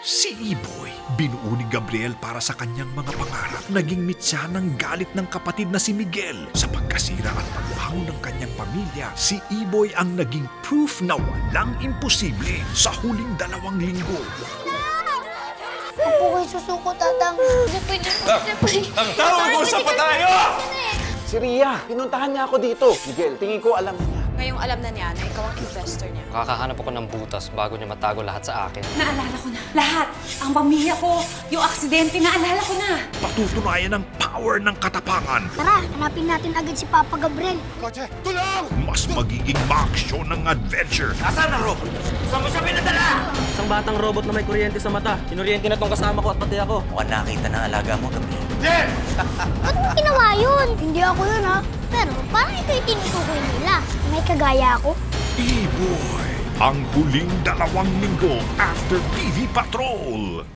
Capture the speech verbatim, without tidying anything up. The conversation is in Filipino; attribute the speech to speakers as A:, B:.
A: Si Iboy, binuo ni Gabriel para sa kanyang mga pangarap. Naging mitya ng galit ng kapatid na si Miguel. Sa pagkasira at pagbaho ng kanyang pamilya, si Iboy ang naging proof na walang imposible sa huling dalawang linggo.
B: Ako ko'y susuko, tatang. Hindi pwede, hindi pwede.
C: Ang tawag ko sa patayo! Si Ria, pinuntahan niya ako dito. Miguel, tingin ko alam niya.
D: Ngayong alam na niya na ikaw ang investor niya.
E: Kakahanap ako ng butas bago niya matago lahat sa akin.
F: Naalala ko na. Lahat. Ang pamilya ko, yung aksidente, naalala ko na.
A: Patutunayan ang power ng katapangan.
B: Tara, hanapin natin agad si Papa Gabriel.
C: Kotse, tulong!
A: Mas magiging maaksyon ng adventure.
C: Nasaan ang robot? Saan mo siya pinadala?
G: Isang batang robot na may kuryente sa mata. Kinuryente na tong kasama ko at pati ako.
C: Mukhang nakita ng alaga mo, Gabriel. Yes!
B: Ba't mo ginawa yun? Hindi ako yun, ha? Pero parang ito yung tinutukoy nila. May kagaya ako.
A: Iboy, ang huling dalawang linggo after T V Patrol.